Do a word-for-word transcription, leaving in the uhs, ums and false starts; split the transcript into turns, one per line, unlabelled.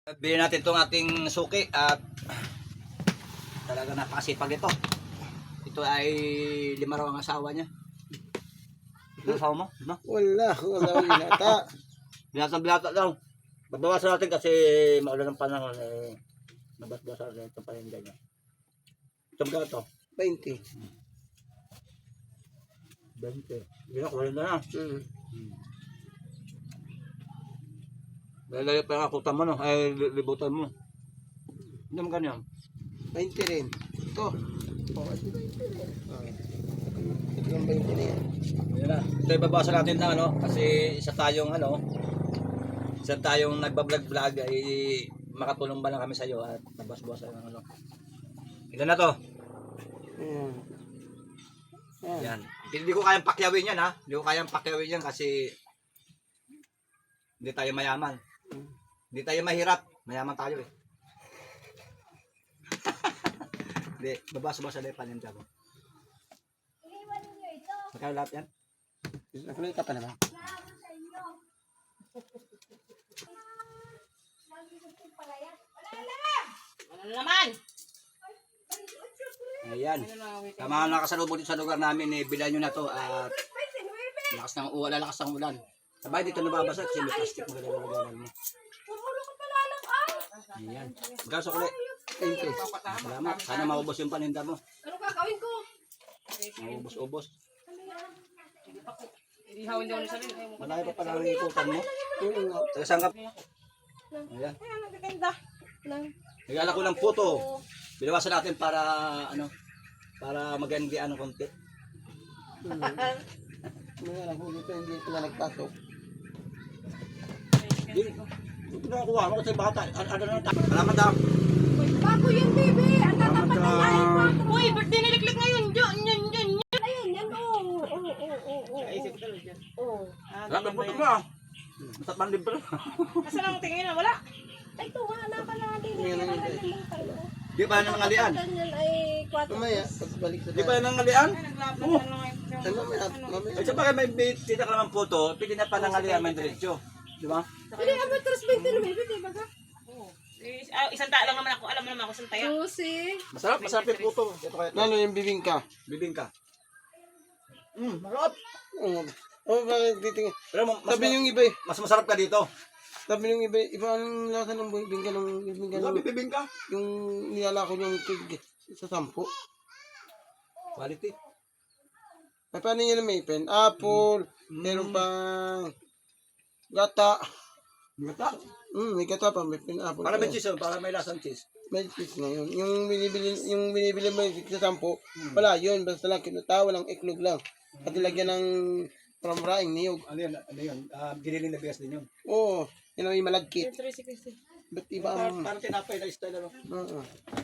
Bili natin itong ating suki at talaga napakasipag ito. Ito ay lima raw ang asawa niya. Ano asawa mo? Diba?
Wala, wala ang binata.
Binata-binata daw. Babawasan natin kasi maulan ng panahon eh. Nabas-basan natin itong paninda niya. Ito ba ito?
twenty.
twenty. Hindi na, kumain na na.
Hmm.
Lalaya pa yung akutan mo, no? Ay, libutan mo. Hindi mo ganyan.
twenty rin. Ito. Oh, ito twenty rin. Okay. Ito yung twenty na yan.
Yan na. Ito ibabawasan natin na, ano? Kasi isa tayong, ano, isa tayong nagbablog-vlog ay makatulong ba lang kami sa iyo at nabas-bawasan ng ano. Ilan na to?
Ayan. Ayan.
Yan. Hindi ko kayang pakyawin yan, ha? Hindi ko kayang pakyawin yan kasi hindi tayo mayaman. Hindi tayo mahirap. Mayaman tayo, eh. Hindi. Babasa-basa na yung paninda mo. Magkano lahat yan?
Nakulay ka pa naman.
Ano naman?
Ayan. Sa mga nakasalubong dito sa lugar namin, eh, bilan nyo na to at lakas ng ulan, lakas ng ulan. Sabay dito nababasa kasi may plastic mo gano'n mo. Ayan. Magkano sa kulit?
twenty.
Salamat. Sana maubos yung paninda mo.
Ano kakawin ko?
Maubos-ubos.
Hindi hawin daw na sarili.
Malaki pa pala ang ikutan mo.
Oo.
Taga sangkap. Ayan.
Ay, ano gaganda? Lang.
Nagala ko ng puto. Binawasan natin para ano, para magandian ng konti.
Mga alam ko dito, hindi ito na nagpasok.
Hindi ko nakuha mo kasi bata. Ano ano na ta? Salamat daw.
Bago yun, baby. Ang
Salamat
tatapat ng
daw.
live. Uy, birthday ni Liklik ngayon. Diyan, yan, yan, yan. Ayun, yan. Oo, oo, oo, oo, oo.
Naisip ko talaga dyan.
Oo.
Salamat ng puto mo ah. Masat man libre.
Nasaan ang tingin na? Wala. Ay, ito nga. Naka na din.
Yan ang
Yan
hindi.
Di ba yan ang ngalian?
Ganyan ay kwatro.
Mamaya, pagbalik sa
Di ba yan ang ngalian? Oo.
Ay, mamaya, mamaya.
Ay, sa bagay may tita ka naman puto, pwede na pa ng ngalian may diretso. Di ba?
Hindi, amatras twenty na baby. Di ba ka?
Eh, ah, isang tao lang naman ako. Alam mo naman ako isang taya.
Susi.
Masarap, masarap yung puto. Ito kaya.
Lalo yung bibingka.
Bibingka. Mm, masarap.
Oo. Oh, bakit titingin?
Pero mas,
Sabi yung iba eh.
mas masarap ka dito.
Sabi yung iba, iba ang lasa ng bibingka ng bibingka ng
Sabi bibingka.
yung niyala ko yung tig sa sampo.
Quality.
Ay, paano yun may pen? Apple, meron pang gata.
Gata.
Hmm, may gata pa, may pen apple.
Para may cheese, oh, para may lasang cheese.
May cheese na yun. Yung binibili, yung binibili mo yung sa sampo, wala yun. Basta lang kinuta, walang iklog lang. At ilagyan ng pramraing niyog.
Ano yun? Ano yun? Uh, giniling na bigas din yun.
Oo, yun ang may malagkit.
Tracy Christy.
Ba't iba
Parang,
ang...
parang tinapay na style ano.
Oo.